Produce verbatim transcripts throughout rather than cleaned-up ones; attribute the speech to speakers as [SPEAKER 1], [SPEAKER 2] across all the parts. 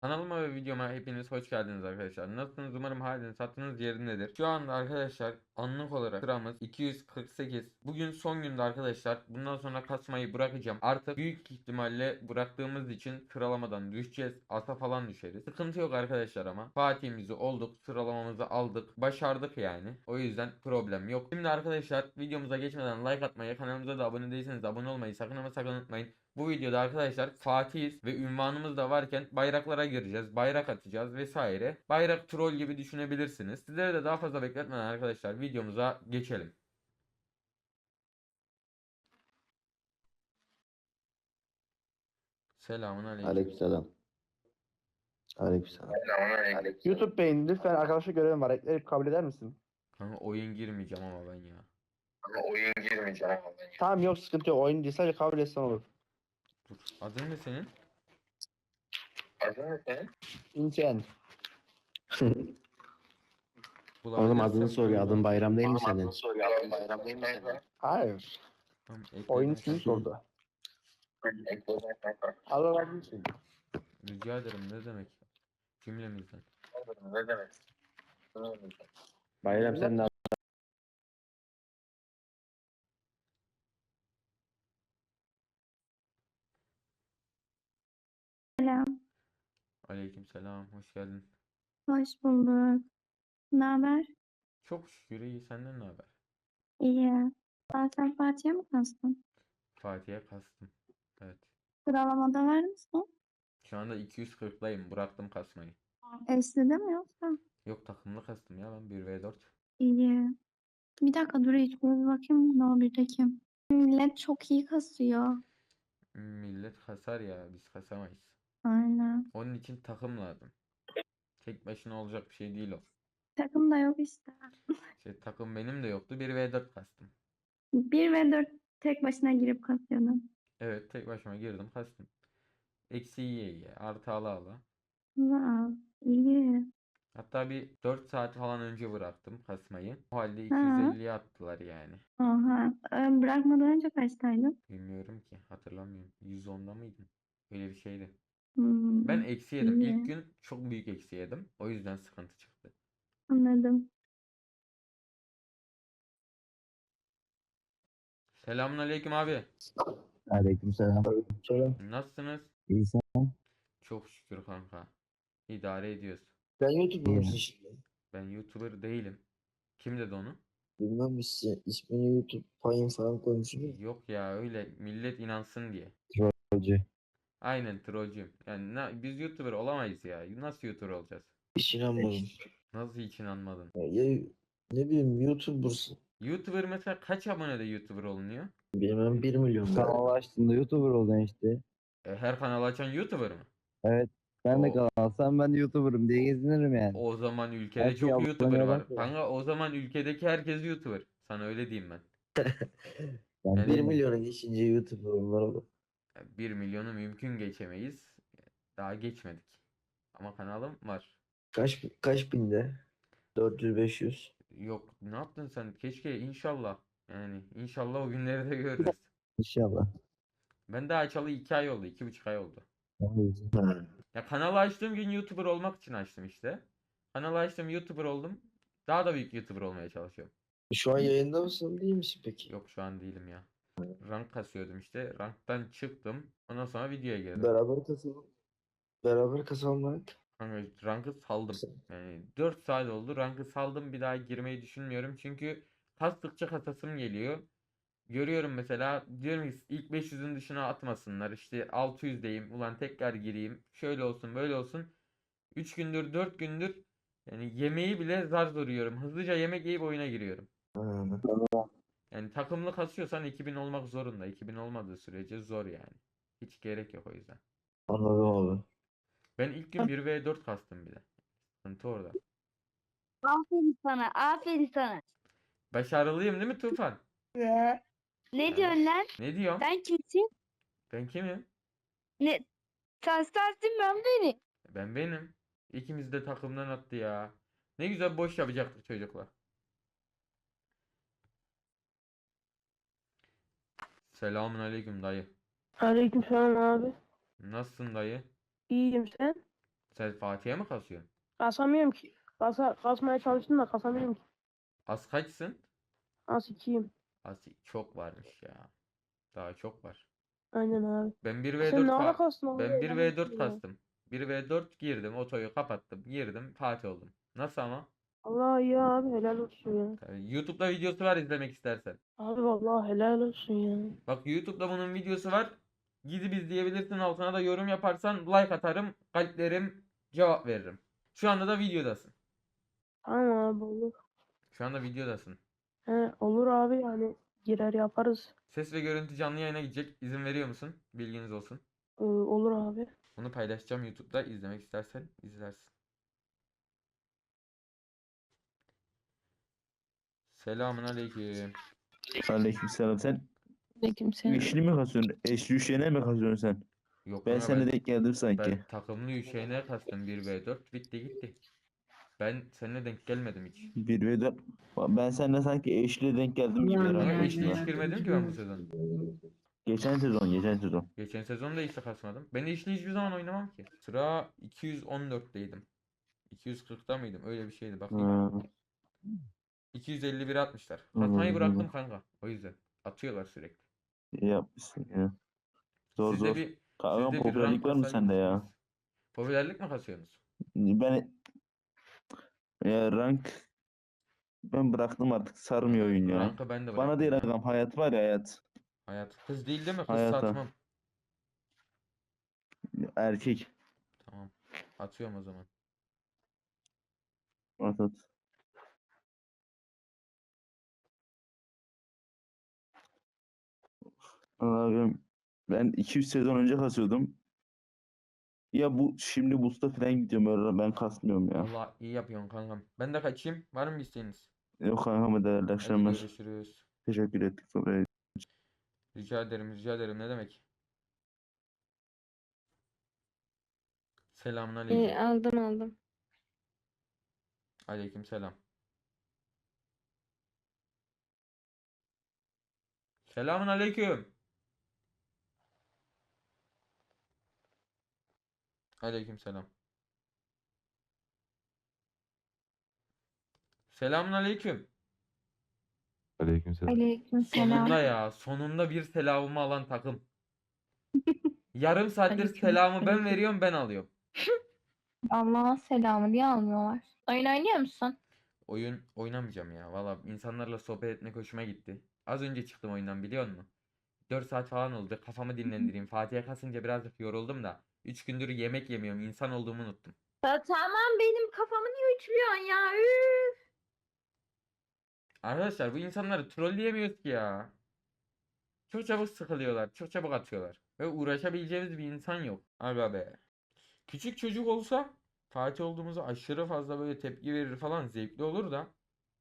[SPEAKER 1] Kanalıma ve videoma hepiniz hoş geldiniz arkadaşlar. Nasılsınız? Umarım haliniz hatırınız yerindedir. Şu anda arkadaşlar anlık olarak sıramız iki yüz kırk sekiz. Bugün son günde arkadaşlar. Bundan sonra kasmayı bırakacağım. Artık büyük ihtimalle bıraktığımız için sıralamadan düşeceğiz. Asa falan düşeriz. Sıkıntı yok arkadaşlar ama. Fatih'imizi olduk. Sıralamamızı aldık. Başardık yani. O yüzden problem yok. Şimdi arkadaşlar videomuza geçmeden like atmayı, kanalımıza da abone değilseniz abone olmayı sakın ama sakın unutmayın. Bu videoda arkadaşlar Fatih'iz ve ünvanımız da varken bayraklara gireceğiz. Bayrak atacağız vesaire. Bayrak troll gibi düşünebilirsiniz. Sizlere de daha fazla bekletmeden arkadaşlar videomuza geçelim. Selamun aleyküm.
[SPEAKER 2] Aleykümselam. Aleykümselam.
[SPEAKER 3] Selamünaleyküm. YouTube Bey'in lütfen arkadaşlık görevim var. Ekleri kabul eder misin?
[SPEAKER 1] Kanka oyun girmeyeceğim ama ben ya.
[SPEAKER 3] Ama oyun girmeyeceğim. Tamam yok sıkıntı yok. Oyun değil sadece kabul etsen olur.
[SPEAKER 1] Dur. Adın ne senin?
[SPEAKER 3] Adın ne senin? İnçen.
[SPEAKER 2] Oğlum adını
[SPEAKER 1] Bulabilirsem
[SPEAKER 2] soruyor.
[SPEAKER 1] buyurun.
[SPEAKER 2] Adın Bayram değil mi
[SPEAKER 3] Oğlum
[SPEAKER 2] senin?
[SPEAKER 3] adını soruyor. Adın Bayram değil mi senin? Hayır.
[SPEAKER 1] Tamam,
[SPEAKER 3] Oyun
[SPEAKER 1] ekledim.
[SPEAKER 3] ismini sordu. Allah razı olsun.
[SPEAKER 1] Rica ederim, ne demek? Cümlemizden.
[SPEAKER 3] Ne demek?
[SPEAKER 2] Bayram sen de
[SPEAKER 4] Selam,
[SPEAKER 1] Aleyküm selam. Hoş geldin.
[SPEAKER 4] hoş bulduk. Ne haber?
[SPEAKER 1] Çok şükür iyi. Senden ne haber?
[SPEAKER 4] İyi. Aa, sen Fatih'e mi kastın?
[SPEAKER 1] Fatih'e kastım. Evet.
[SPEAKER 4] Sıralamada var mısın?
[SPEAKER 1] Şu anda iki yüz kırktayım. Bıraktım kasmayı.
[SPEAKER 4] Eşli'de mi yoksa?
[SPEAKER 1] Yok, takımlı kastım ya, ben bir ve dört.
[SPEAKER 4] İyi. Bir dakika dur hiç bir bakayım ne o birdeki. Millet çok iyi kasıyor.
[SPEAKER 1] Millet kasar ya, biz kasamayız.
[SPEAKER 4] Aynen.
[SPEAKER 1] Onun için takım lazım. Tek başına olacak bir şey değil o.
[SPEAKER 4] Takım da yok işte.
[SPEAKER 1] İşte takım benim de yoktu. bir ve dört kastım.
[SPEAKER 4] Bir ve dört tek başına girip kasıyordum.
[SPEAKER 1] Evet, tek başıma girdim kastım. Eksi yiye yiye. Artı ala ala.
[SPEAKER 4] Wow. İyi.
[SPEAKER 1] Hatta bir dört saat falan önce bıraktım kasmayı. O halde
[SPEAKER 4] Ha.
[SPEAKER 1] iki yüz elliye attılar yani.
[SPEAKER 4] Oha. Ee, Bırakmadan önce kaçtaydın?
[SPEAKER 1] Bilmiyorum ki, hatırlamıyorum. yüz onda mıydım? Öyle bir şeydi.
[SPEAKER 4] Hmm.
[SPEAKER 1] Ben eksi yedim. İlk
[SPEAKER 4] İyi.
[SPEAKER 1] gün çok büyük eksi yedim. O yüzden sıkıntı çıktı.
[SPEAKER 4] Anladım.
[SPEAKER 1] Selamünaleyküm abi.
[SPEAKER 2] Aleykümselam.
[SPEAKER 3] Söyle.
[SPEAKER 1] Nasılsınız?
[SPEAKER 2] İyi sen.
[SPEAKER 1] Çok şükür kanka. İdare ediyoruz.
[SPEAKER 3] Sen YouTube'da
[SPEAKER 2] İyi.
[SPEAKER 3] mısın şimdi?
[SPEAKER 1] Ben YouTuber değilim. Kim dedi onu?
[SPEAKER 3] Bilmem ismi, ismini YouTube payın falan koymuşsun.
[SPEAKER 1] Yok ya, öyle millet inansın diye.
[SPEAKER 2] Trollcü.
[SPEAKER 1] Aynen, trollcüyüm. Yani na- biz YouTuber olamayız ya. Nasıl YouTuber olacağız?
[SPEAKER 3] Hiç inanmadım.
[SPEAKER 1] Nasıl hiç inanmadın?
[SPEAKER 3] Ya, ya ne bileyim YouTuber'sın.
[SPEAKER 1] YouTuber mesela kaç abonede YouTuber olunuyor?
[SPEAKER 3] Bilmem bir milyon.
[SPEAKER 2] Kanal açtığında YouTuber oldun işte.
[SPEAKER 1] E, her kanal açan YouTuber mı?
[SPEAKER 2] Evet. Ben de
[SPEAKER 1] O,
[SPEAKER 2] kanal alsam ben de YouTuber'ım diye gezinirim yani.
[SPEAKER 1] o zaman ülkede
[SPEAKER 2] Her şey
[SPEAKER 1] çok YouTuber
[SPEAKER 2] aboneye
[SPEAKER 1] var.
[SPEAKER 2] bakıyor.
[SPEAKER 1] Kanka o zaman ülkedeki herkes YouTuber. Sana öyle diyeyim ben.
[SPEAKER 2] Ben
[SPEAKER 3] bir
[SPEAKER 1] Yani
[SPEAKER 3] milyona geçince YouTuber onlar olur.
[SPEAKER 1] bir milyonu mümkün geçemeyiz. Daha geçmedik. Ama kanalım var.
[SPEAKER 3] Kaç kaç binde? dört yüz beş yüz.
[SPEAKER 1] Yok, ne yaptın sen? Keşke, inşallah. Yani inşallah o günleri de görürüz.
[SPEAKER 2] İnşallah.
[SPEAKER 1] Ben de açalı iki ay oldu. iki buçuk ay oldu.
[SPEAKER 3] Ha.
[SPEAKER 1] Ya kanalı açtığım gün YouTuber olmak için açtım işte. Kanalı açtım, YouTuber oldum. Daha da büyük YouTuber olmaya çalışıyorum.
[SPEAKER 3] Şu an yayında mısın değil misin peki?
[SPEAKER 1] Yok, şu an değilim ya. Rank kasıyordum işte. Ranktan çıktım. Ondan sonra videoya girdim.
[SPEAKER 3] Beraber kasalım. Beraber kasalım.
[SPEAKER 1] Kanka rankı saldım. Yani dört saat oldu. Rankı saldım. Bir daha girmeyi düşünmüyorum. Çünkü kastıkça kasasım geliyor. Görüyorum mesela, diyorum ki ilk beş yüzün dışına atmasınlar. İşte altı yüzdeyim. Ulan tekrar gireyim. Şöyle olsun, böyle olsun. üç gündür, dört gündür yani yemeği bile zar zor yiyorum. Hızlıca yemek yiyip oyuna giriyorum.
[SPEAKER 3] Ha.
[SPEAKER 1] Yani takımlı kasıyorsan iki bin olmak zorunda. iki bin olmadığı sürece zor yani. Hiç gerek yok o yüzden.
[SPEAKER 3] Anladım abi.
[SPEAKER 1] Ben ilk gün bir ve dört kastım bile. Sıkıntı orada.
[SPEAKER 5] Aferin sana, aferin sana.
[SPEAKER 1] Başarılıyım değil mi Tufan?
[SPEAKER 5] Ne
[SPEAKER 1] Ha.
[SPEAKER 5] diyorsun lan?
[SPEAKER 1] Ne diyorum?
[SPEAKER 5] Sen kimsin?
[SPEAKER 1] Ben kimim?
[SPEAKER 5] Ne? Sen sensin ben benim.
[SPEAKER 1] Ben benim. İkimiz de takımdan attı ya. Ne güzel boş yapacaktık çocuklar. Selamun aleyküm dayı.
[SPEAKER 6] Aleykümselam abi.
[SPEAKER 1] Nasılsın dayı?
[SPEAKER 6] İyiyim sen?
[SPEAKER 1] Sen Fatih'e mi kasıyorsun?
[SPEAKER 6] Kasamıyorum ki. Kasa, kasmaya çalıştım da kasamıyorum ki.
[SPEAKER 1] Az kaçsın?
[SPEAKER 6] Az ikiyim.
[SPEAKER 1] Az çok varmış ya. Daha çok var.
[SPEAKER 6] Aynen abi.
[SPEAKER 1] Ben bir
[SPEAKER 6] Sen
[SPEAKER 1] ve dört
[SPEAKER 6] ne ara
[SPEAKER 1] fa
[SPEAKER 6] kastın oğlum?
[SPEAKER 1] ben bir
[SPEAKER 6] Helal
[SPEAKER 1] ve dört
[SPEAKER 6] olsun ya.
[SPEAKER 1] kastım. bir ve dört girdim, otoyu kapattım, girdim, Fatih oldum. Nasıl ama?
[SPEAKER 6] Allah iyi abi helal olsun ya.
[SPEAKER 1] Tabii, YouTube'da videosu var izlemek istersen.
[SPEAKER 6] Abi vallahi helal olsun ya.
[SPEAKER 1] Bak YouTube'da bunun videosu var. Gidip izleyebilirsin, altına da yorum yaparsan like atarım, kalplerim, cevap veririm. Şu anda da videodasın.
[SPEAKER 6] Tamam abi olur.
[SPEAKER 1] Şu anda videodasın.
[SPEAKER 6] He, olur abi yani girer yaparız.
[SPEAKER 1] Ses ve görüntü canlı yayına gidecek. İzin veriyor musun? Bilginiz olsun.
[SPEAKER 6] Ee, olur abi.
[SPEAKER 1] Bunu paylaşacağım YouTube'da. İzlemek istersen izlersin. Selamun aleyküm.
[SPEAKER 7] Aleykümselam. Sen
[SPEAKER 4] Aleykümselam.
[SPEAKER 7] üçlü mü kasıyorsun? Eşli üşüyene mi kasıyorsun sen?
[SPEAKER 1] Yok
[SPEAKER 7] Ben
[SPEAKER 1] kanka,
[SPEAKER 7] seninle
[SPEAKER 1] ben,
[SPEAKER 7] denk geldim sanki.
[SPEAKER 1] ben takımlı Üşeğine kastım bir ve dört bitti gitti. Ben seninle denk gelmedim hiç.
[SPEAKER 7] Bir ve dört. Ben seninle sanki eşli denk geldim gibi
[SPEAKER 1] Ama
[SPEAKER 7] herhalde
[SPEAKER 1] eşli hiç
[SPEAKER 7] aslında.
[SPEAKER 1] girmedim ki ben bu sezon.
[SPEAKER 7] Geçen sezon, geçen sezon.
[SPEAKER 1] Geçen sezon da işte kasmadım. Ben eşli hiçbir zaman oynamam ki. Sıra iki yüz on dörtteydim. iki yüz kırkta mıydım? Öyle bir şeydi bakayım.
[SPEAKER 7] Ha,
[SPEAKER 1] iki yüz elli bir atmışlar.
[SPEAKER 7] Anladım,
[SPEAKER 1] Kasmayı bıraktım
[SPEAKER 7] anladım.
[SPEAKER 1] kanka. O yüzden. Atıyorlar sürekli.
[SPEAKER 7] iyi yapmışsın ya. Zor
[SPEAKER 1] Sizde
[SPEAKER 7] zor.
[SPEAKER 1] bir
[SPEAKER 7] Kanka
[SPEAKER 1] sizde bir rank
[SPEAKER 7] popülerlik var mı sende ya?
[SPEAKER 1] kasabilirsiniz. Popülerlik mi kasıyorsunuz?
[SPEAKER 7] Ben ya rank ben bıraktım artık sarmıyor oyun ya.
[SPEAKER 1] Rankı ben de
[SPEAKER 7] Bana
[SPEAKER 1] bıraktım
[SPEAKER 7] değil
[SPEAKER 1] ya.
[SPEAKER 7] agam hayat var ya hayat.
[SPEAKER 1] Hayat. Kız değil değil mi? Kız
[SPEAKER 7] Hayata.
[SPEAKER 1] satmam.
[SPEAKER 7] Erkek.
[SPEAKER 1] Tamam. Atıyorum o zaman.
[SPEAKER 7] At at. Allah'ım ben iki yüz sezon önce kasıyordum. Ya bu şimdi Busta falan gidiyorum öyle ben kasmıyorum ya.
[SPEAKER 1] Allah iyi yapıyorsun kankam. Ben de kaçayım. Var mı bir isteğiniz?
[SPEAKER 7] Yok kankam değerli
[SPEAKER 1] Hadi
[SPEAKER 7] akşamlar.
[SPEAKER 1] görüşürüz.
[SPEAKER 7] Teşekkür ettik sohbet.
[SPEAKER 1] Rica ederim, rica ederim. Ne demek? Selamun aleyküm.
[SPEAKER 5] Ee, aldım aldım.
[SPEAKER 1] Aleyküm selam. Selamun aleyküm. Aleyküm selam. Selamun aleyküm.
[SPEAKER 8] Aleykümselam.
[SPEAKER 4] Aleykümselam.
[SPEAKER 1] Sonunda ya. Sonunda bir selamımı alan takım. Yarım saattir
[SPEAKER 4] Aleyküm
[SPEAKER 1] selamı ben
[SPEAKER 4] selam.
[SPEAKER 1] veriyorum, ben alıyorum.
[SPEAKER 4] Allah'ın selamı diye almıyorlar. Oyun oynuyor musun?
[SPEAKER 1] Oyun oynamayacağım ya. Valla insanlarla sohbet etmek hoşuma gitti. Az önce çıktım oyundan, biliyor musun? dört saat falan oldu. Kafamı dinlendireyim. Fatih'e kasınca birazcık yoruldum da. üç gündür yemek yemiyorum. İnsan olduğumu unuttum.
[SPEAKER 5] Ya tamam benim kafamı niye ütülüyorsun ya? Üf.
[SPEAKER 1] Arkadaşlar bu insanları trolleyemiyoruz ki ya. Çok çabuk sıkılıyorlar. Çok çabuk atıyorlar. Ve uğraşabileceğimiz bir insan yok. Aga be. Küçük çocuk olsa Fatih olduğumuzu aşırı fazla böyle tepki verir falan, zevkli olur da.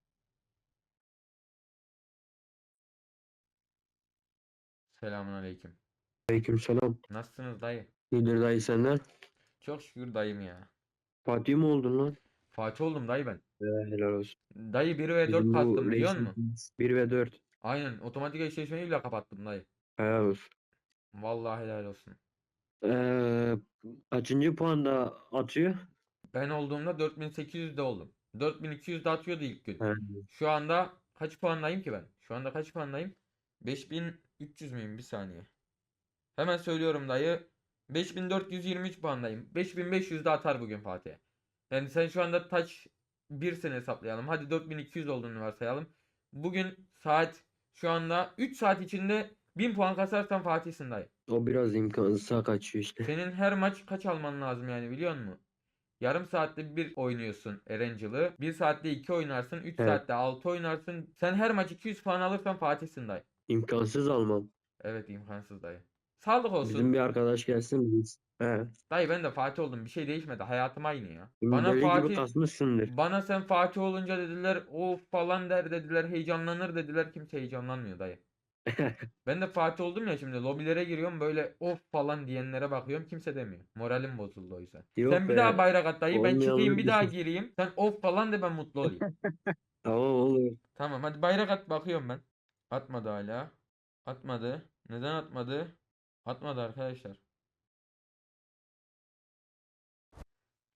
[SPEAKER 1] Selamun aleyküm.
[SPEAKER 9] Aleykümselam.
[SPEAKER 1] Nasılsınız dayı?
[SPEAKER 9] İyidir dayı senden.
[SPEAKER 1] Çok şükür dayım ya.
[SPEAKER 9] Fatih mi oldun lan?
[SPEAKER 1] Fatih oldum dayı ben.
[SPEAKER 9] Ee, helal olsun.
[SPEAKER 1] Dayı bir ve dört
[SPEAKER 9] Bizim bu
[SPEAKER 1] kastım biliyor musun?
[SPEAKER 9] reisimiz bir ve dört.
[SPEAKER 1] Aynen, otomatik eşleşmeyi bile kapattım dayı.
[SPEAKER 9] Helal olsun.
[SPEAKER 1] Vallahi helal olsun.
[SPEAKER 9] Ee, kaçıncı puanda atıyor?
[SPEAKER 1] Ben olduğumda dört bin sekiz yüzde oldum. dört bin iki yüzde atıyordu ilk gün.
[SPEAKER 9] He.
[SPEAKER 1] Şu anda kaç puandayım ki ben? Şu anda kaç puandayım? beş bin üç yüz müyüm? Bir saniye. Hemen söylüyorum dayı. beş bin dört yüz yirmi üç puandayım. beş bin beş yüz de atar bugün Fatih'e. Yani sen şu anda taç birsini hesaplayalım. Hadi dört bin iki yüz olduğunu varsayalım. Bugün saat şu anda üç saat içinde bin puan kasarsan Fatih'sin dayı.
[SPEAKER 9] O biraz imkansıza kaçıyor işte.
[SPEAKER 1] Senin her maç kaç alman lazım yani, biliyor musun? Yarım saatte bir oynuyorsun Erencil'i. bir saatte iki oynarsın. üç
[SPEAKER 9] Evet.
[SPEAKER 1] saatte altı oynarsın. Sen her maç iki yüz puan alırsan Fatih'sin dayı.
[SPEAKER 9] İmkansız almam.
[SPEAKER 1] Evet, imkansız dayı. Sağlık olsun.
[SPEAKER 9] Bizim bir arkadaş gelsin biz. He.
[SPEAKER 1] Dayı ben de Fatih oldum. Bir şey değişmedi. Hayatım aynı ya.
[SPEAKER 9] Şimdi
[SPEAKER 1] Bana
[SPEAKER 9] deli gibi
[SPEAKER 1] Fatih
[SPEAKER 9] kasmışsındır.
[SPEAKER 1] bana sen Fatih olunca dediler of falan der dediler, heyecanlanır dediler. Kimse heyecanlanmıyor dayı. Ben de Fatih oldum ya, şimdi lobilere giriyorum böyle of falan diyenlere bakıyorum, kimse demiyor. Moralim bozuldu o yüzden.
[SPEAKER 9] Yok
[SPEAKER 1] Sen bir
[SPEAKER 9] be,
[SPEAKER 1] daha bayrak at dayı, ben çıkayım
[SPEAKER 9] olmayanlar
[SPEAKER 1] bir daha
[SPEAKER 9] değil.
[SPEAKER 1] gireyim. Sen of falan de, ben mutlu olayım.
[SPEAKER 9] Tamam olur.
[SPEAKER 1] Tamam hadi bayrak at, bakıyorum ben. Atmadı hala. Atmadı. Neden atmadı? Atmadı arkadaşlar.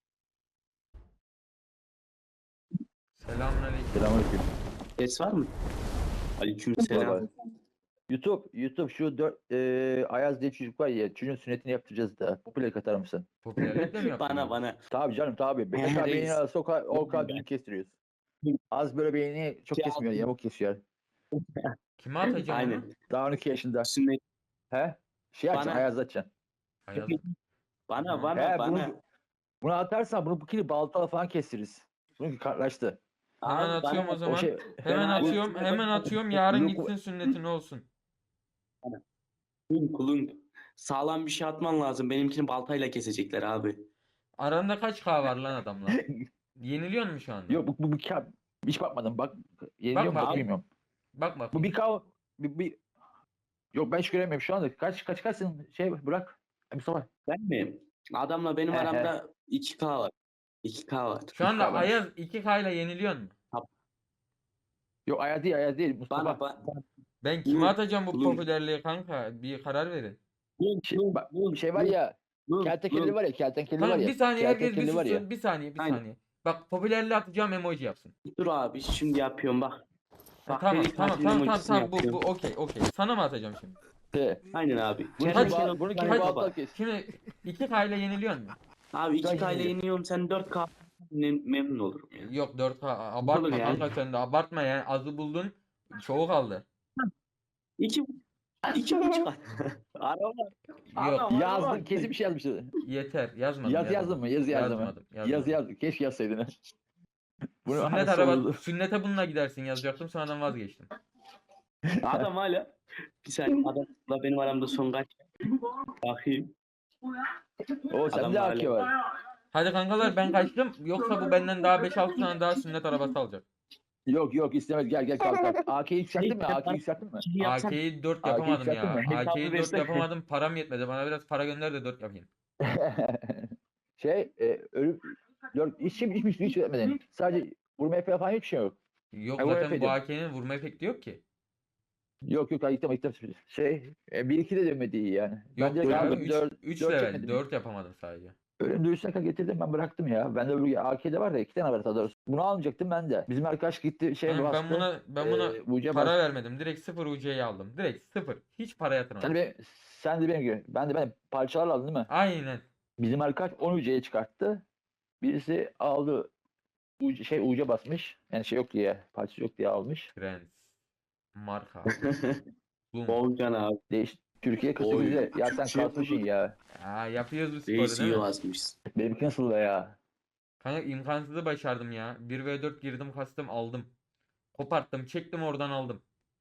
[SPEAKER 1] Selamünaleyküm.
[SPEAKER 2] Selamünaleyküm.
[SPEAKER 9] Ses var mı? Aleykümselam.
[SPEAKER 2] Vallahi. YouTube, YouTube şu dört e, Ayaz diye çocuk var ya, çocuğun sünnetini yaptıracağız da. Bu plak atar mısın?
[SPEAKER 1] Popülerlikle mi yaptın?
[SPEAKER 9] Bana
[SPEAKER 1] bunu?
[SPEAKER 9] bana.
[SPEAKER 2] Tabii canım tabii. Beş
[SPEAKER 9] He,
[SPEAKER 2] kadar
[SPEAKER 9] reis.
[SPEAKER 2] beyni arası o kadar, o kadar düzgün kestiriyoruz. Az böyle beyni çok
[SPEAKER 9] Ya.
[SPEAKER 2] kesmiyor, yamuk kesiyor.
[SPEAKER 1] Kime atacağım onu?
[SPEAKER 9] Aynen.
[SPEAKER 2] Daha on iki yaşında.
[SPEAKER 9] Sünnet.
[SPEAKER 2] He? Şey açacaksın,
[SPEAKER 9] Bana-
[SPEAKER 2] Ayaz açacaksın.
[SPEAKER 1] Ayaz.
[SPEAKER 9] Bana
[SPEAKER 1] He,
[SPEAKER 9] bana
[SPEAKER 2] He,
[SPEAKER 9] bana.
[SPEAKER 2] bunu, bunu atarsan bunu bu kili baltala falan kestiririz. Bununki kartlaştı.
[SPEAKER 1] Hemen
[SPEAKER 9] Abi,
[SPEAKER 1] atıyorum
[SPEAKER 9] bana-
[SPEAKER 1] o zaman.
[SPEAKER 2] O şey,
[SPEAKER 1] Hemen
[SPEAKER 9] Ben-
[SPEAKER 1] atıyorum, hemen atıyorum. Yarın
[SPEAKER 2] Yok,
[SPEAKER 1] gitsin sünnetine olsun.
[SPEAKER 9] Kulun kulun. Sağlam bir şey atman lazım. Benimkini baltayla kesecekler abi.
[SPEAKER 1] Aranda kaç K var lan adamla? Yeniliyor mu şu anda?
[SPEAKER 2] yok bu, bu bir kağıt. Hiç bakmadım bak. Yeniliyor mu
[SPEAKER 1] Bak,
[SPEAKER 2] bak,
[SPEAKER 1] bak.
[SPEAKER 2] bilmiyorum.
[SPEAKER 1] Bak bak.
[SPEAKER 2] Bu bir kav bir, bir... Yok ben hiç göremiyorum şu anda. Kaç kaç kaçsın şey bırak. Mustafa.
[SPEAKER 9] Ben mi? Adamla benim
[SPEAKER 2] He, he.
[SPEAKER 9] aramda iki K var. iki K var.
[SPEAKER 1] Şu anda
[SPEAKER 2] K varmış.
[SPEAKER 1] Ayaz iki K ile yeniliyor mu?
[SPEAKER 2] Yok Ayaz değil Ayaz değil Mustafa.
[SPEAKER 9] Bana bana.
[SPEAKER 1] Ben kime
[SPEAKER 9] Kulun,
[SPEAKER 1] atacağım bu
[SPEAKER 9] kulun.
[SPEAKER 1] popülerliği kanka? Bir karar verin.
[SPEAKER 2] Şey, bak, bir şey var ya. Kertenkele var ya kertenkele var
[SPEAKER 1] Kanka
[SPEAKER 2] ya.
[SPEAKER 1] bir saniye herkes bir
[SPEAKER 2] kertenkele var ya.
[SPEAKER 1] sussun. Bir saniye bir
[SPEAKER 9] Aynen.
[SPEAKER 1] saniye. Bak popülerliği atacağım emoji yapsın.
[SPEAKER 9] Dur abi şimdi yapıyorum bak.
[SPEAKER 1] Ha,
[SPEAKER 9] Bak,
[SPEAKER 1] tamam
[SPEAKER 9] delik
[SPEAKER 1] tamam
[SPEAKER 9] tatil
[SPEAKER 1] tamam tamam
[SPEAKER 9] emojisini
[SPEAKER 1] tamam bu bu
[SPEAKER 9] yapıyorum.
[SPEAKER 1] okey okey. Sana mı atacağım şimdi?
[SPEAKER 2] He.
[SPEAKER 9] Aynen abi.
[SPEAKER 2] Bunu
[SPEAKER 1] Kaç-
[SPEAKER 2] kim bağ- bunu kim
[SPEAKER 1] kaç-
[SPEAKER 2] bağlantı kes?
[SPEAKER 1] Şimdi iki K ile yeniliyor mu?
[SPEAKER 9] Abi iki
[SPEAKER 2] Sen
[SPEAKER 9] K ile
[SPEAKER 2] yeniyor.
[SPEAKER 9] yeniyorum sen dört K mem- memnun olurum ya.
[SPEAKER 1] Yok dört K abartma
[SPEAKER 9] Olur yani.
[SPEAKER 1] kanka sen de abartma yani azı buldun. Çoğu kaldı.
[SPEAKER 9] İki, iki buçuk. Araba.
[SPEAKER 1] Yok
[SPEAKER 9] Adam-
[SPEAKER 2] Yazdın kesin bir şey yazmıştı.
[SPEAKER 1] yeter yazmadım.
[SPEAKER 2] Yaz yazdın mı? Yazı yazdın mı?
[SPEAKER 1] Yazmadım.
[SPEAKER 2] Yaz
[SPEAKER 1] yazmadım.
[SPEAKER 2] yaz. Keşke yazsaydın. Bunu
[SPEAKER 1] Sünnet
[SPEAKER 2] nasıl
[SPEAKER 1] araba,
[SPEAKER 2] oldu?
[SPEAKER 1] sünnete bununla gidersin yazacaktım sonradan vazgeçtim.
[SPEAKER 9] Adam hala. Bir saniye adamla benim aramda son kaç? Bakayım.
[SPEAKER 2] O
[SPEAKER 9] Adam
[SPEAKER 2] sende
[SPEAKER 9] da
[SPEAKER 2] A K var.
[SPEAKER 1] Hadi kankalar ben kaçtım. Yoksa bu benden daha beş altı tane daha sünnet arabası alacak.
[SPEAKER 2] Yok yok istemez gel gel kalk kalk. A K'yi yükselttin mi? A K'yi yükselttin mi?
[SPEAKER 9] Şimdi yapsak
[SPEAKER 1] A K'yi dört
[SPEAKER 2] A K'yi
[SPEAKER 1] yapamadım
[SPEAKER 2] yükselttin
[SPEAKER 1] ya.
[SPEAKER 2] mi?
[SPEAKER 1] A K'yi dört
[SPEAKER 9] versene.
[SPEAKER 1] yapamadım. Param yetmedi. Bana biraz para gönder de dört yapayım.
[SPEAKER 2] şey e, ölüm dört işim hiçbir şey hiç etmedin. Sadece vurma falan falan hiçbir şey yok.
[SPEAKER 1] Yok
[SPEAKER 2] Ha, bu
[SPEAKER 1] zaten bu
[SPEAKER 2] efendim.
[SPEAKER 1] A K'nin vurma efekti yok ki.
[SPEAKER 2] Yok yok ayıktım ayıktım. Şey e, bir iki de dönmedi iyi yani.
[SPEAKER 1] Yok
[SPEAKER 2] ben direkt
[SPEAKER 1] ya
[SPEAKER 2] aldım
[SPEAKER 1] üç
[SPEAKER 2] dört
[SPEAKER 1] üç
[SPEAKER 2] dört
[SPEAKER 1] level.
[SPEAKER 2] çekmedim.
[SPEAKER 1] dört yapamadım sadece.
[SPEAKER 2] Ölüm dövüşüne kadar getirdim ben bıraktım ya. Ben de öbür A K'de var da iki tane var daha doğrusu. Bunu almayacaktım ben de. Bizim arkadaş gitti şey
[SPEAKER 1] Ben,
[SPEAKER 2] bastı.
[SPEAKER 1] ben buna ben buna
[SPEAKER 2] e, Uca
[SPEAKER 1] para
[SPEAKER 2] bastı.
[SPEAKER 1] vermedim. Direkt sıfır U C'yi aldım. Direkt sıfır. Hiç para yatırmadım.
[SPEAKER 2] Sen de, benim, sen de benim gibi. Ben de ben parçalar aldın değil mi?
[SPEAKER 1] Aynen.
[SPEAKER 2] Bizim arkadaş on U C'ye çıkarttı. Birisi aldı U C, şey U C basmış. Yani şey yok diye, parça yok diye almış.
[SPEAKER 1] Prens. Marka. Boom.
[SPEAKER 9] Volkan abi.
[SPEAKER 2] Değiş Türkiye kırk
[SPEAKER 9] Oy,
[SPEAKER 2] sekizde. Ya sen
[SPEAKER 9] Türkçe
[SPEAKER 2] kasmışsın
[SPEAKER 9] bulduk.
[SPEAKER 2] ya.
[SPEAKER 1] Aa, yapıyoruz bu sporu
[SPEAKER 9] Reis
[SPEAKER 1] değil
[SPEAKER 9] iyi
[SPEAKER 1] mi?
[SPEAKER 9] yazmış.
[SPEAKER 2] Benimki nasıl da ya?
[SPEAKER 1] Kanka imkansızı başardım ya. bir ve dört girdim kastım aldım. Koparttım çektim oradan aldım.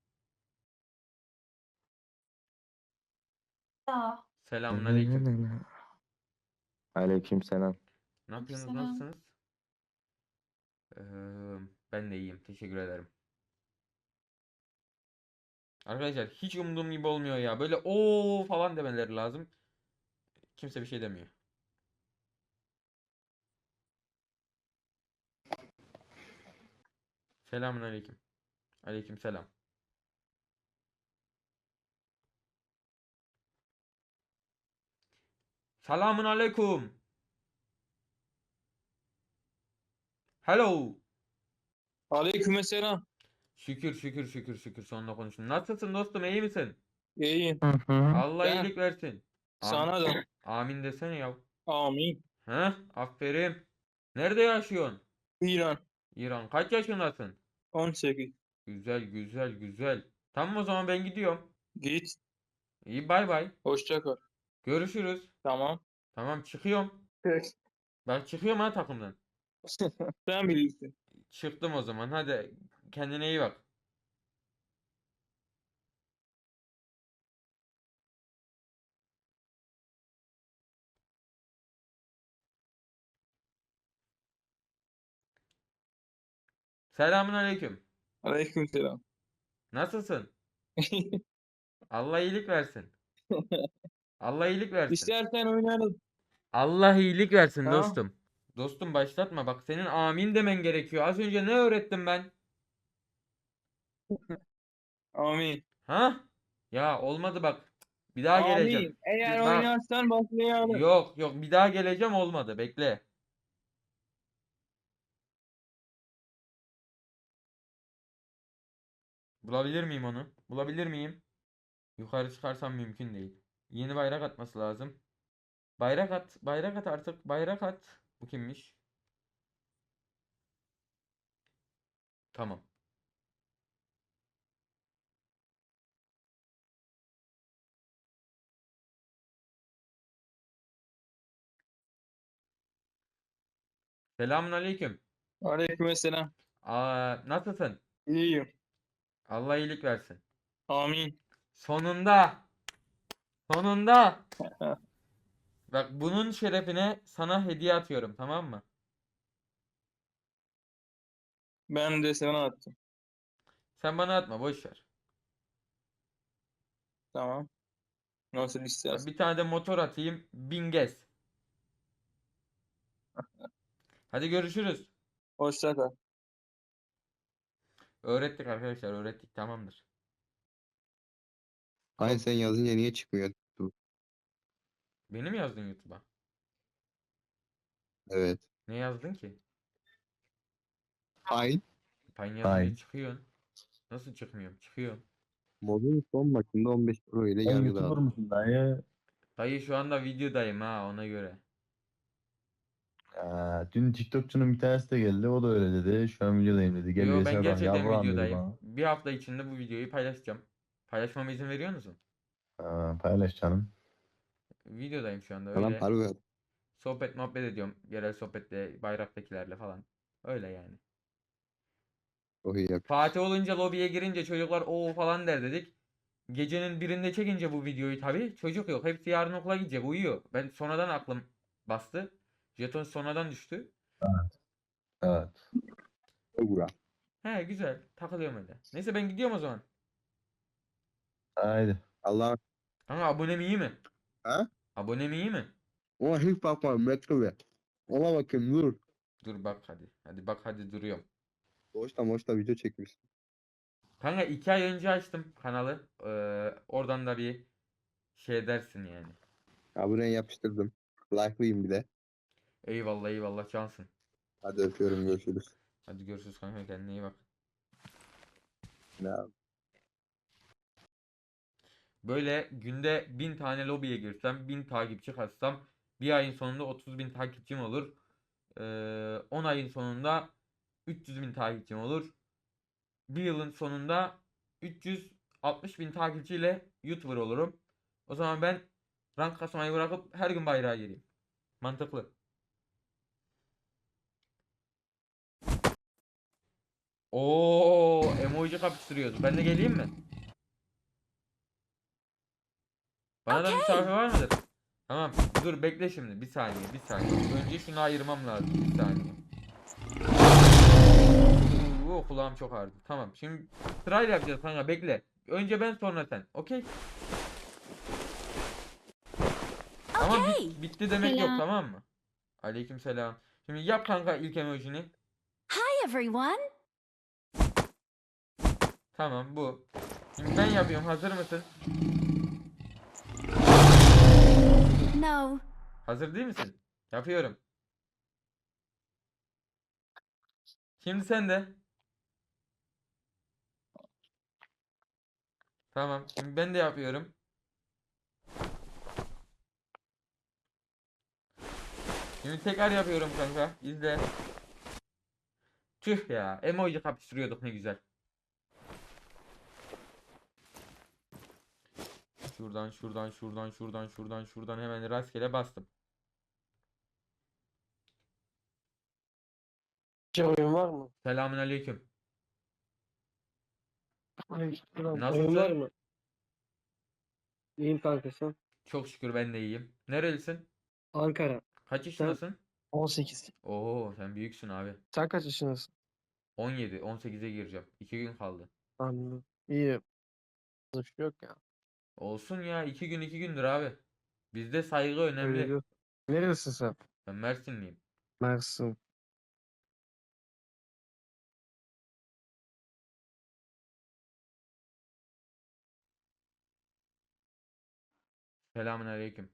[SPEAKER 1] Selamünaleyküm.
[SPEAKER 8] Aleykümselam.
[SPEAKER 1] Ne yapıyorsunuz?
[SPEAKER 4] Selam.
[SPEAKER 1] Nasılsınız? Ee, ben de iyiyim. Teşekkür ederim. Arkadaşlar hiç umduğum gibi olmuyor ya. Böyle o falan demeleri lazım. Kimse bir şey demiyor. Selamünaleyküm. Aleykümselam. Selamun aleyküm. Hello.
[SPEAKER 10] Aleykümselam.
[SPEAKER 1] Şükür şükür şükür şükür sonunda konuştum. Nasılsın dostum iyi misin?
[SPEAKER 10] İyiyim.
[SPEAKER 1] Allah
[SPEAKER 10] Ben-
[SPEAKER 1] iyilik versin. Am-
[SPEAKER 10] Sana da.
[SPEAKER 1] Amin desene ya.
[SPEAKER 10] Amin.
[SPEAKER 1] Heh, aferin. Nerede yaşıyorsun?
[SPEAKER 10] İran.
[SPEAKER 1] İran. Kaç yaşındasın?
[SPEAKER 10] on sekiz.
[SPEAKER 1] Güzel güzel güzel. Tamam o zaman ben gidiyorum.
[SPEAKER 10] Git.
[SPEAKER 1] İyi bay bay.
[SPEAKER 10] Hoşça kal.
[SPEAKER 1] Görüşürüz.
[SPEAKER 10] Tamam.
[SPEAKER 1] Tamam çıkıyorum. Ben çıkıyorum ha takımdan.
[SPEAKER 10] Sen bilirsin.
[SPEAKER 1] Çıktım o zaman. Hadi kendine iyi bak. Selamun aleyküm.
[SPEAKER 10] Aleykümselam.
[SPEAKER 1] Nasılsın? Allah iyilik versin. Allah iyilik versin.
[SPEAKER 10] İstersen oynarız.
[SPEAKER 1] Allah iyilik versin
[SPEAKER 10] Tamam.
[SPEAKER 1] dostum. Dostum başlatma bak senin amin demen gerekiyor. Az önce ne öğrettim ben?
[SPEAKER 10] Amin.
[SPEAKER 1] Ha? Ya olmadı bak. Bir daha geleceğim.
[SPEAKER 10] Amin. Eğer
[SPEAKER 1] Bak.
[SPEAKER 10] oynarsan başlayalım.
[SPEAKER 1] Yok yok bir daha geleceğim olmadı. Bekle. Bulabilir miyim onu? Bulabilir miyim? Yukarı çıkarsam mümkün değil. Yeni bayrak atması lazım. Bayrak at. Bayrak at artık. Bayrak at. Bu kimmiş? Tamam. Selamun aleyküm.
[SPEAKER 10] Aleykümselam.
[SPEAKER 1] Aa, nasılsın?
[SPEAKER 10] İyiyim.
[SPEAKER 1] Allah iyilik versin.
[SPEAKER 10] Amin.
[SPEAKER 1] Sonunda. Sonunda. Bak bunun şerefine sana hediye atıyorum, tamam mı?
[SPEAKER 10] Ben de sana attım.
[SPEAKER 1] Sen bana atma, boş ver.
[SPEAKER 10] Tamam. Nasıl
[SPEAKER 1] Bak,
[SPEAKER 10] istersen.
[SPEAKER 1] bir tane de motor atayım. Bin gez. Hadi görüşürüz.
[SPEAKER 10] Hoşça kal.
[SPEAKER 1] Öğrettik arkadaşlar, öğrettik, tamamdır.
[SPEAKER 3] Hayır sen yazınca niye çıkmıyor?
[SPEAKER 1] Beni mi yazdın YouTube'a?
[SPEAKER 3] Evet.
[SPEAKER 1] Ne yazdın ki?
[SPEAKER 3] Hayır.
[SPEAKER 1] Ben yazınca çıkıyorsun. Nasıl çıkmıyorum? Çıkıyorum.
[SPEAKER 3] Modun son maçında on beş Pro ile yargı dağıttı.
[SPEAKER 7] musun dayı?
[SPEAKER 1] Dayı şu anda videodayım ha, ona göre.
[SPEAKER 7] Ya, dün TikTokçunun bir tanesi de geldi. O da öyle dedi. Şu an videodayım dedi. Gel
[SPEAKER 1] Yo, ben
[SPEAKER 7] V S bak
[SPEAKER 1] gerçekten
[SPEAKER 7] yavrum dedi
[SPEAKER 1] videodayım.
[SPEAKER 7] bana.
[SPEAKER 1] Bir hafta içinde bu videoyu paylaşacağım. Paylaşmama izin veriyor musun?
[SPEAKER 7] Ha, paylaş canım.
[SPEAKER 1] Videodayım şu anda,
[SPEAKER 3] Tamam
[SPEAKER 1] öyle.
[SPEAKER 3] harbi.
[SPEAKER 1] Sohbet muhabbet ediyorum. Yerel sohbetle bayraktakilerle falan. Öyle yani.
[SPEAKER 3] Çok iyi yap.
[SPEAKER 1] Fatih olunca lobiye girince çocuklar o falan der dedik. Gecenin birinde çekince bu videoyu tabii çocuk yok. Hepsi yarın okula gidecek, uyuyor. Ben sonradan aklım bastı. Jeton sonradan düştü.
[SPEAKER 7] Evet.
[SPEAKER 3] Bura.
[SPEAKER 1] He, güzel, takılıyorum öyle. Neyse ben gidiyorum o zaman.
[SPEAKER 7] Haydi.
[SPEAKER 3] Allah.
[SPEAKER 1] Ama abonem iyi mi?
[SPEAKER 3] Ha?
[SPEAKER 1] Abonem iyi mi?
[SPEAKER 3] Ona hiç bakmadım. Metro be. Ona bakayım dur.
[SPEAKER 1] Dur bak hadi. Hadi bak hadi, duruyorum.
[SPEAKER 3] Boşta boşta video çekmiş.
[SPEAKER 1] Kanka iki ay önce açtım kanalı. Ee, oradan da bir şey dersin yani.
[SPEAKER 3] Abone yapıştırdım. Like'layım bir de.
[SPEAKER 1] Eyvallah eyvallah, cansın.
[SPEAKER 3] Hadi öpüyorum görüşürüz.
[SPEAKER 1] Hadi görüşürüz kanka, kendine iyi bak.
[SPEAKER 3] Ne abi?
[SPEAKER 1] Böyle günde bin tane lobiye girsem, bin takipçi katsam, bir ayın sonunda otuz bin takipçim olur. Ee, on ayın sonunda üç yüz bin takipçim olur. Bir yılın sonunda üç yüz altmış bin takipçiyle YouTuber olurum. O zaman ben rank kasmayı bırakıp her gün bayrağa gireyim. Mantıklı. Oo, emoji kapıştırıyoruz. Ben de geleyim mi? Bana da misafir var mıdır? Tamam. Dur bekle şimdi. Bir saniye. Bir saniye. Önce şunu ayırmam lazım. Bir saniye. Oo, kulağım çok ağrıdı. Tamam. Şimdi sırayla yapacağız kanka. Bekle. Önce ben sonra sen. Okey? Ama bit- bitti demek yok,
[SPEAKER 4] Selam.
[SPEAKER 1] tamam mı? Aleykümselam. Şimdi yap kanka ilk emojini.
[SPEAKER 5] Hi everyone.
[SPEAKER 1] Tamam, bu. Şimdi ben yapıyorum. Hazır mısın?
[SPEAKER 5] No.
[SPEAKER 1] Hazır değil misin? Yapıyorum. Şimdi sen de. Tamam. Şimdi ben de yapıyorum. Şimdi tekrar yapıyorum kanka. İzle. Tüh ya. Emoji kapıştırıyorduk, ne güzel. Şuradan şuradan şuradan şuradan şuradan şuradan hemen rastgele bastım.
[SPEAKER 3] Oyun var mı?
[SPEAKER 1] Selamünaleyküm.
[SPEAKER 3] Oyun var
[SPEAKER 1] Nasılsın?
[SPEAKER 3] mı? İyiyim kankası.
[SPEAKER 1] Çok şükür ben de iyiyim. Nerelisin?
[SPEAKER 3] Ankara.
[SPEAKER 1] Kaç yaşındasın?
[SPEAKER 3] on sekiz.
[SPEAKER 1] Oo, sen büyüksün abi.
[SPEAKER 3] Sen kaç yaşındasın?
[SPEAKER 1] on yedi, on sekize gireceğim. iki gün kaldı.
[SPEAKER 3] Anladım. İyi. Bir şey yok ya.
[SPEAKER 1] Olsun ya, iki gün iki gündür abi. Bizde saygı
[SPEAKER 3] Öyle
[SPEAKER 1] önemli.
[SPEAKER 3] diyor. Neredesin sen?
[SPEAKER 1] Ben Mersinliyim.
[SPEAKER 3] Mersin.
[SPEAKER 1] Selamünaleyküm.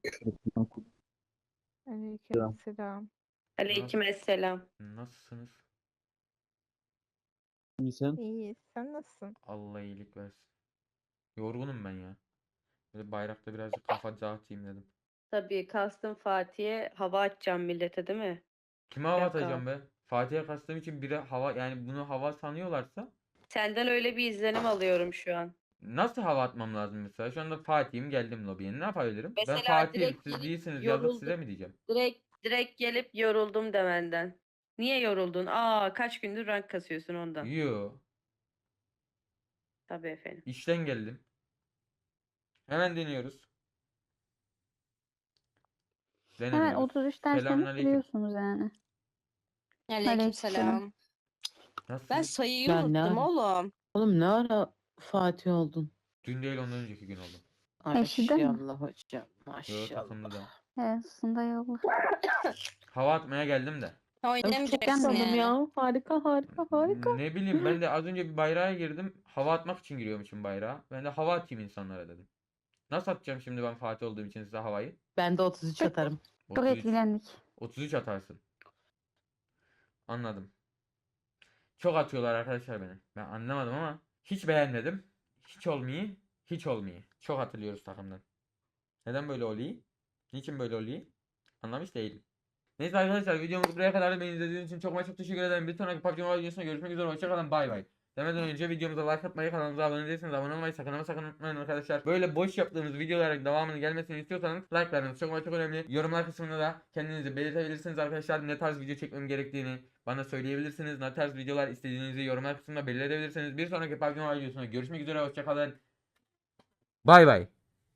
[SPEAKER 8] Aleykümselam.
[SPEAKER 1] Aleykümselam. Nasılsınız?
[SPEAKER 7] İyi sen?
[SPEAKER 8] İyi, sen nasılsın?
[SPEAKER 1] Allah iyilik versin. Yorgunum ben ya. Böyle bayrakta birazcık kafa dağıtayım dedim.
[SPEAKER 11] Tabii kastım Fatih'e hava atacağım millete değil mi?
[SPEAKER 1] Kime hava
[SPEAKER 11] Yok
[SPEAKER 1] atacağım be? Fatih'e kastım için biri hava, yani bunu hava sanıyorlarsa
[SPEAKER 11] Senden öyle bir izlenim alıyorum şu an.
[SPEAKER 1] nasıl hava atmam lazım mesela? Şu anda Fatih'im, geldim lobiye. Ne yapabilirim? Ben
[SPEAKER 11] Mesela
[SPEAKER 1] Fatih'im,
[SPEAKER 11] direkt
[SPEAKER 1] siz
[SPEAKER 11] gelip
[SPEAKER 1] değilsiniz yazıp
[SPEAKER 11] yoruldum.
[SPEAKER 1] size mi diyeceğim?
[SPEAKER 11] Direkt direkt gelip yoruldum demenden. Niye yoruldun? Aa kaç gündür rank kasıyorsun ondan.
[SPEAKER 1] Yo,
[SPEAKER 11] Tabii efendim.
[SPEAKER 1] işten geldim. Hemen deniyoruz.
[SPEAKER 4] Hemen
[SPEAKER 1] Denemiyoruz.
[SPEAKER 4] otuz üçten sonra
[SPEAKER 1] Selamünaleyküm.
[SPEAKER 4] giriyorsunuz yani.
[SPEAKER 8] Aleykümselam. Ben
[SPEAKER 1] Nasılsınız?
[SPEAKER 8] sayıyı
[SPEAKER 6] Ben ne
[SPEAKER 8] unuttum
[SPEAKER 6] ara-
[SPEAKER 8] oğlum.
[SPEAKER 6] Oğlum ne ara Fatih oldun?
[SPEAKER 1] Dün değil, ondan önceki gün oldu.
[SPEAKER 4] Eşi de mi?
[SPEAKER 6] Maşallah hocam.
[SPEAKER 1] Yo,
[SPEAKER 6] Maşallah.
[SPEAKER 1] takımda da.
[SPEAKER 4] Evet, aslında yolla.
[SPEAKER 1] Hava atmaya geldim de.
[SPEAKER 8] Oynamayacaksın
[SPEAKER 6] Oğlum
[SPEAKER 8] yani.
[SPEAKER 6] ya. Harika harika harika.
[SPEAKER 1] Ne bileyim, ben de az önce bir bayrağa girdim. Hava atmak için giriyormuşum bayrağa. Ben de hava atayım insanlara dedim. Nasıl atacağım şimdi ben Fatih olduğum için size havayı?
[SPEAKER 6] Ben de otuz üç atarım.
[SPEAKER 4] Çok
[SPEAKER 1] otuz üç,
[SPEAKER 4] etkilendik.
[SPEAKER 1] otuz üç atarsın. Anladım. Çok atıyorlar arkadaşlar beni. Ben anlamadım ama hiç beğenmedim. Hiç olmuyor. Hiç olmuyor. Çok hatırlıyoruz takımdan. Neden böyle oluyor? Niçin böyle oluyor? Anlamış değilim. Neyse arkadaşlar, videomuz buraya kadar. Beni izlediğiniz için çok ama çok teşekkür ederim. Bir sonraki P U B G Mobile videosunda görüşmek üzere. Hoşçakalın. Bay bay. Demeden önce videomuza like atmayı, kanalımıza abone değilseniz abone olmayı sakın ama sakın unutmayın arkadaşlar. Böyle boş yaptığımız videoların devamının gelmesini istiyorsanız like'larınız çok ama çok önemli. Yorumlar kısmında da kendinizi belirtebilirsiniz arkadaşlar. Ne tarz video çekmem gerektiğini bana söyleyebilirsiniz. Ne tarz videolar istediğinizi yorumlar kısmında belirtebilirsiniz. Bir sonraki P U B G Mobile videosunda görüşmek üzere. Hoşçakalın. Bay bay.